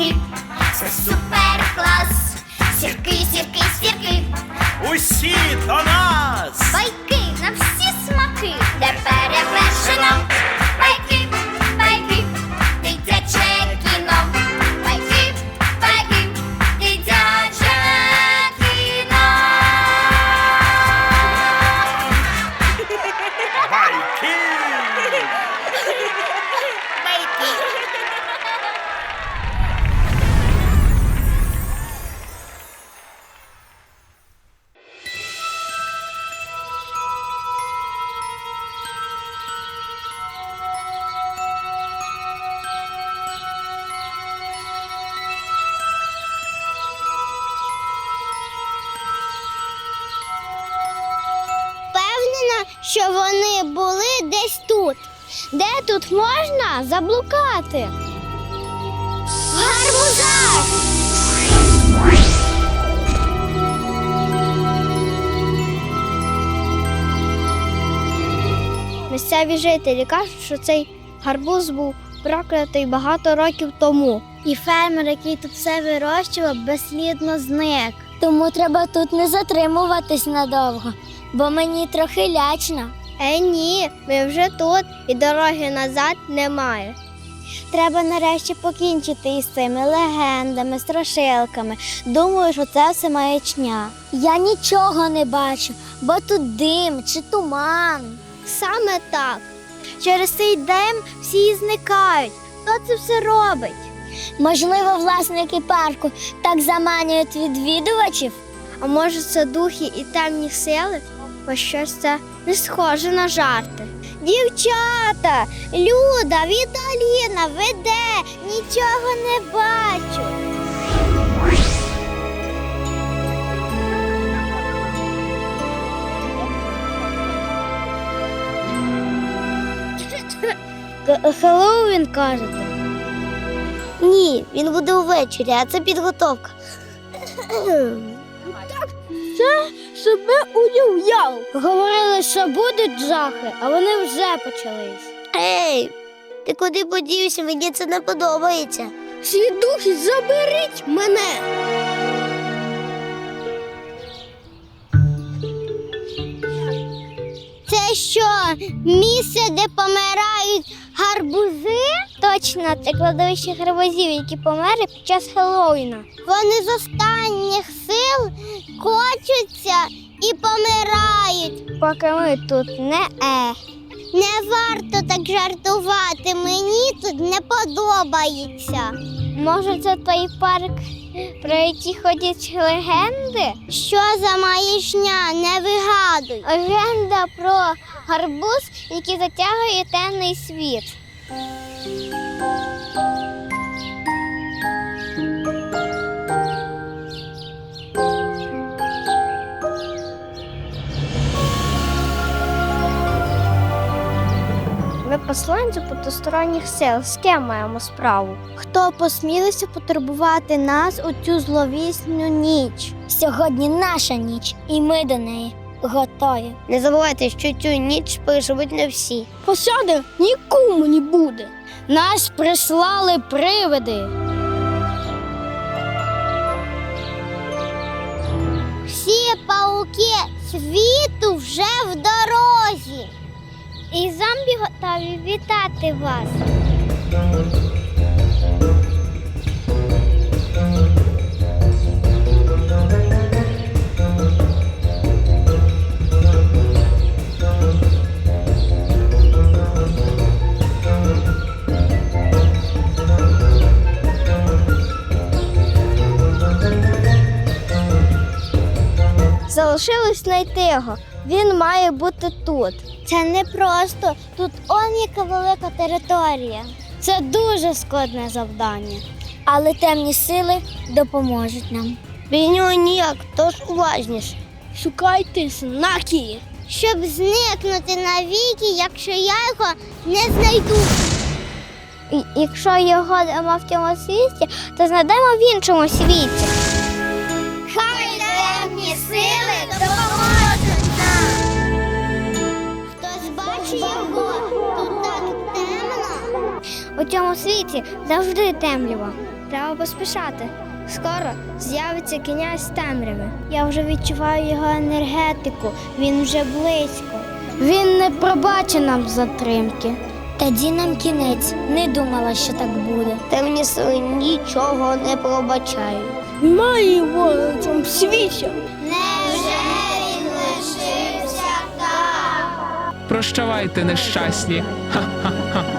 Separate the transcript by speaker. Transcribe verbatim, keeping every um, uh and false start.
Speaker 1: смаки, це супер клас. Сірки, сірки, сірки,
Speaker 2: Усі до нас!
Speaker 1: байки на всі смаки, де перевершено. Байки, байки, дитяче кіно. Байки, байки, дитяче кіно.
Speaker 2: Байки!
Speaker 3: Впевнена, що вони були десь тут. Де тут можна заблукати? В гарбузах! Місцеві жителі кажуть, що цей гарбуз був проклятий багато років тому. І фермер, який тут все вирощував, безслідно зник. Тому треба тут не затримуватись надовго, бо мені трохи лячно. Е, ні, ми вже тут і дороги назад немає. Треба нарешті покінчити із цими легендами, страшилками. Думаю, що це все маячня. Я нічого не бачу, бо тут дим чи туман. Саме так. Через цей дим всі зникають. Хто це все робить? Можливо, власники парку так заманюють відвідувачів? А може, це духи і темні сили? Бо щось це не схоже на жарти. Дівчата, Люда, Віталіна, ви де? Нічого не бачу. Хеллоуін, кажете? Ні, він буде увечері, а це підготовка. Так, це себе уявляв. Говорили, що будуть жахи, а вони вже почались. Ей, ти куди подівся? Мені це не подобається. Всі духи, заберіть мене. Це що, місце, де помирають гарбузи? Точно, це кладовище гарбузів, які померли під час Хеллоуіна. Вони з останніх сил кочуться і помирають. Поки ми тут не е. Не варто так жартувати, мені тут не подобається. Може, це той парк, про який ходять легенди? Що за маячня? Не вигадуй. Легенда про гарбуз, який затягує темний світ. Ми посланці потусторонніх сил. З ким маємо справу? Хто посмілився потурбувати нас у цю зловісну ніч? Сьогодні наша ніч, і ми до неї готові. Не забувайте, що цю ніч переживуть не всі. Посади нікому не буде. Нас прислали привиди. Всі пауки світу вже в дорозі. І зомбі готові вітати вас. Залишилось знайти його. Він має бути тут. Це не просто. Тут он яка велика територія. Це дуже складне завдання. Але темні сили допоможуть нам. Без нього ніяк, тож уважніше. Шукайте знаки. Щоб зникнути навіки, якщо я його не знайду. І, якщо його нема в цьому світі, то знайдемо в іншому світі. Хай темні сили допоможуть нам. Хтось бачить його? Тут так темно. У цьому світі завжди темрява. Треба поспішати. Скоро з'явиться князь темряви. Я вже відчуваю його енергетику, він вже близько. Він не пробачить нам затримки. Тоді нам кінець. Не думала, що так буде. Темні сили нічого не пробачають. Немає його на цьому світі.
Speaker 1: Невже він лишився там?
Speaker 4: Прощавайте, нещасні. Ха-ха-ха.